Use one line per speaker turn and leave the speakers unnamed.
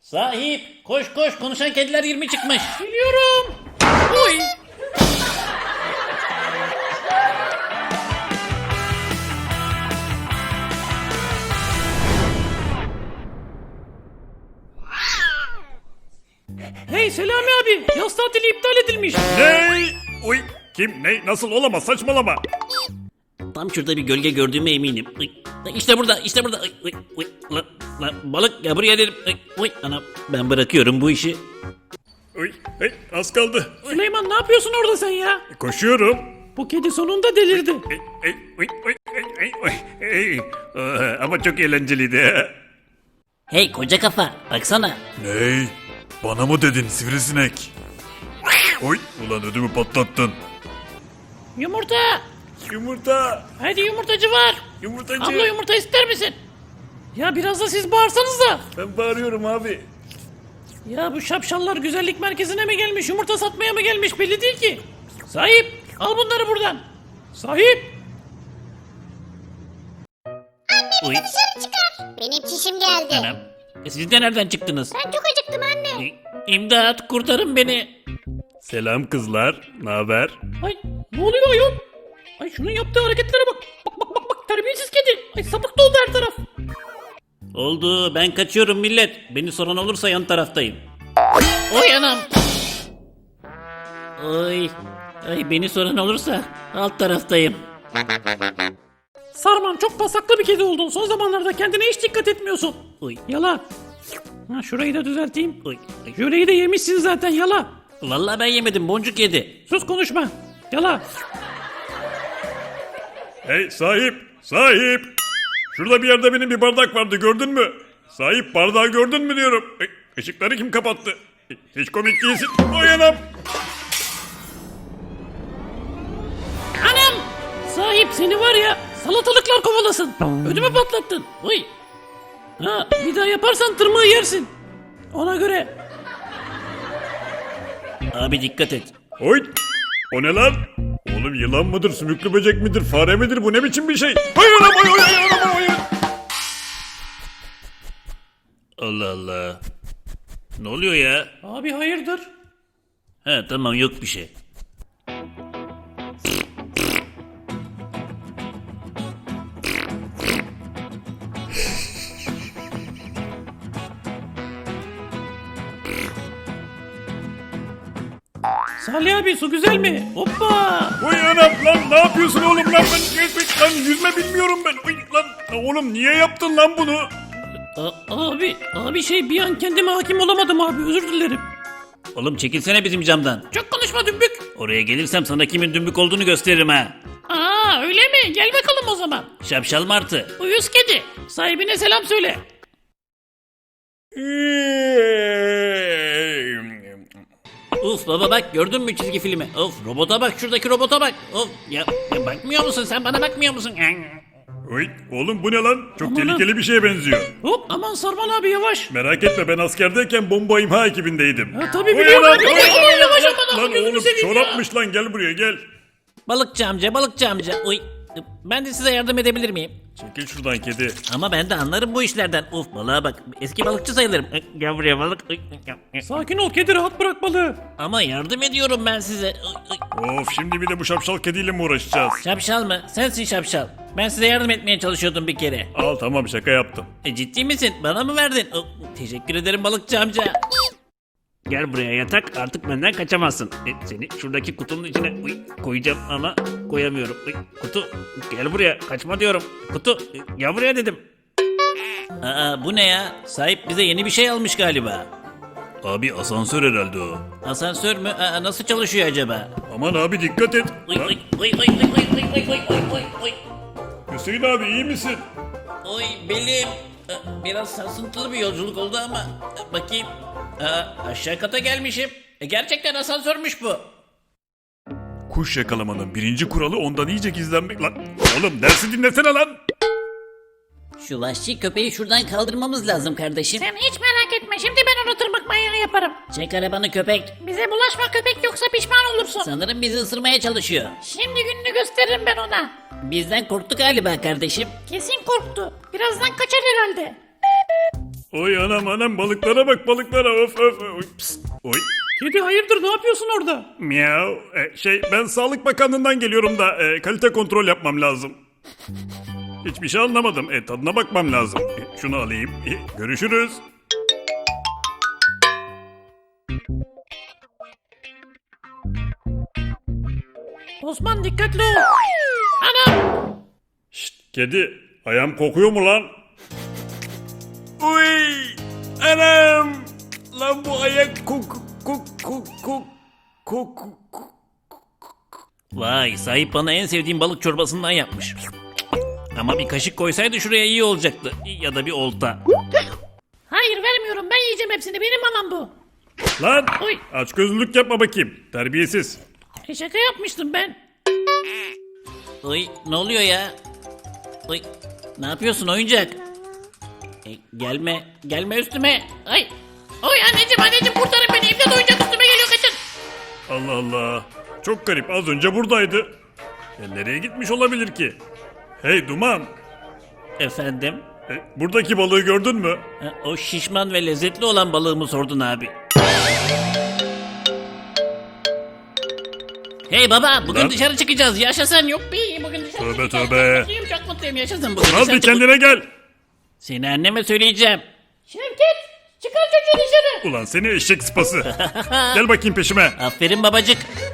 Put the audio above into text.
Sahip koş koş, konuşan kediler 20 çıkmış. Geliyorum. Oy. Hey Selami abi, yaz tatili iptal edilmiş.
Ne? Uy, kim? Ne? Nasıl olamaz? Saçmalama.
Tam şurada bir gölge gördüğüme eminim. Uy, İşte burada, işte burada. Uy, uy, uy. Lan, balık ya, buraya dedim. Uy, uy, ana, ben bırakıyorum bu işi.
Uy, hey, az kaldı.
Süleyman ne yapıyorsun orada sen ya?
Koşuyorum.
Bu kedi sonunda delirdi.
Ama çok eğlenceliydi.
Hey koca kafa, baksana.
Ney? Bana mı dedin sivrisinek? Oy, ulan ödümü patlattın.
Yumurta.
Yumurta.
Hadi yumurtacı var.
Yumurtacı.
Abla yumurta ister misin? Ya biraz da siz bağırsanız da.
Ben bağırıyorum abi.
Ya bu şapşallar güzellik merkezine mi gelmiş, yumurta satmaya mı gelmiş belli değil ki. Sahip, al bunları buradan. Sahip.
Uy,
Dışarı çıkar. Benim çişim geldi.
anam. Siz de nereden çıktınız?
Ben çok acıktım anne.
İmdat, kurtarın beni.
Selam kızlar. Ne haber?
Ay ne oluyor ayol? Ay şunun yaptığı hareketlere bak. Bak terbiyesiz kedi. Ay sapık doldu her taraf.
Oldu, ben kaçıyorum millet. Beni soran olursa yan taraftayım. Oy anam. Oy. Ay, beni soran olursa alt taraftayım.
Sarman çok pasaklı bir kedi oldun. Son zamanlarda kendine hiç dikkat etmiyorsun.
Oy.
Yala. Ha, şurayı da düzelteyim.
Oy. Ay.
Jöleyi de yemişsin zaten yala.
Vallahi ben yemedim, boncuk yedi.
Sus konuşma. Yala.
Hey sahip. Sahip. Şurada bir yerde benim bir bardak vardı, gördün mü? Sahip, bardağı gördün mü diyorum. Işıkları kim kapattı? Hiç komik değilsin. Oy anam.
Anam. Sahip seni var ya salatalıklar kovalasın. Ödümü patlattın. Uy. Ha, bir daha yaparsan tırmığı yersin. Ona göre.
Abi dikkat et.
Oy! O ne lan? Oğlum yılan mıdır, sümüklü böcek midir, fare midir? Bu ne biçim bir şey? Oy anam, oy oy oy anam, oy.
Allah Allah. Ne oluyor ya?
Abi hayırdır?
He tamam, yok bir şey.
Salih abi su güzel mi? Hoppa.
Oy anam lan, ne yapıyorsun oğlum lan? Lan yüzme bilmiyorum ben. Oy lan oğlum, niye yaptın lan bunu?
Abi şey bir an kendime hakim olamadım abi, özür dilerim.
Oğlum çekilsene bizim camdan.
Çok konuşma dümbük.
Oraya gelirsem sana kimin dümbük olduğunu gösteririm ha.
Aa öyle mi? Gel bakalım o zaman.
Şapşal martı.
Uyuz kedi. Sahibine selam söyle.
Uf baba bak, gördün mü çizgi filmi? Of, robota bak, şuradaki robota bak. Of ya bakmıyor musun sen, bana bakmıyor musun?
Oy oğlum, bu ne lan? Çok
Aman
tehlikeli bir şeye benziyor.
Hop aman Sarman abi yavaş.
Merak etme, ben askerdeyken bomba imha ekibindeydim.
Ha, tabii
Oy
biliyorum
anam,
abi.
oy
Aman yavaş
lan,
aman
lan
gözünü
oğlum,
seveyim ya.
çorapmış lan, gel buraya gel.
Balıkçı amca, balıkçı amca. Oy. Ben de size yardım edebilir miyim?
Çekil şuradan kedi.
Ama ben de anlarım bu işlerden. Uf balığa bak. Eski balıkçı sayılırım. Gel buraya balık.
Sakin ol kedi, rahat bırak balığı.
Ama yardım ediyorum ben size.
Of, şimdi bir de bu şapşal kediyle mi uğraşacağız?
Şapşal mı? Sensin şapşal. Ben size yardım etmeye çalışıyordum bir kere.
Al tamam, şaka yaptım.
Ciddi misin? Bana mı verdin? Teşekkür ederim balıkçı amca. Gel buraya yatak, artık benden kaçamazsın. Seni şuradaki kutunun içine koyacağım ama koyamıyorum. Kutu, gel buraya, kaçma diyorum. Kutu, gel buraya dedim. Aa, bu ne ya? Sahip bize yeni bir şey almış galiba.
Abi asansör herhalde o.
Asansör mü? Aa, nasıl çalışıyor acaba?
Aman abi dikkat et.
Oy
Lan,
oy oy oy oy oy oy oy oy oy oy.
Hüseyin abi iyi misin?
Oy belim. Biraz sarsıntılı bir yolculuk oldu ama bakayım. Aşağı kata gelmişim. Gerçekten asansörmüş bu.
Kuş yakalamanın birinci kuralı ondan iyice gizlenmek lan. Oğlum dersi dinlesene lan.
Şu vahşi köpeği şuradan kaldırmamız lazım kardeşim.
Sen hiç merak etme, şimdi ben onu tırmık manyağı yaparım.
Çek arabanı köpek.
Bize bulaşma köpek, yoksa pişman olursun.
Sanırım bizi ısırmaya çalışıyor.
Şimdi gününü gösteririm ben ona.
Bizden korktu galiba kardeşim.
Kesin korktu. Birazdan kaçar herhalde.
Oy anam anam balıklara bak balıklara of of. Oy, pst, oy.
Kedi hayırdır ne yapıyorsun orada?
Miau. Ben Sağlık Bakanlığı'ndan geliyorum da kalite kontrol yapmam lazım. Hiçbir şey anlamadım. Tadına bakmam lazım. Şunu alayım. Görüşürüz.
Osman dikkatli ol. Anam.
Şşt kedi. Ayağım kokuyor mu lan? Uy. Anam. Lan bu ayak kok.
Vay sahip bana en sevdiğim balık çorbasından yapmış. Ama bir kaşık koysaydı şuraya iyi olacaktı. Ya da bir olta.
Hayır vermiyorum ben yiyeceğim hepsini benim mamam bu.
Lan.
Oy.
Açgözlülük yapma bakayım. Terbiyesiz.
Şaka yapmıştım ben.
Oy ne oluyor ya? Oy ne yapıyorsun oyuncak? Gelme üstüme.
Ay. Oy anneciğim kurtarın beni evde oyuncak üstüme geliyor kaçın.
Allah Allah. Çok garip. Az önce buradaydı. Nereye gitmiş olabilir ki? Hey Duman.
Efendim?
Buradaki balığı gördün mü?
O şişman ve lezzetli olan balığımı sordun abi. Hey baba bugün
Lan.
dışarı çıkacağız yaşasın yok.
Bir bugün dışarı
Tövbe
çıkacağız.
tövbe.
Çok mutluyum çok mutluyum yaşasın.
Bugün
Al
dışarı
bir kendine gel.
Seni anneme söyleyeceğim.
Şevket çıkar çocuğu dışarı.
Ulan seni eşek sıpası. Gel bakayım peşime.
Aferin babacık.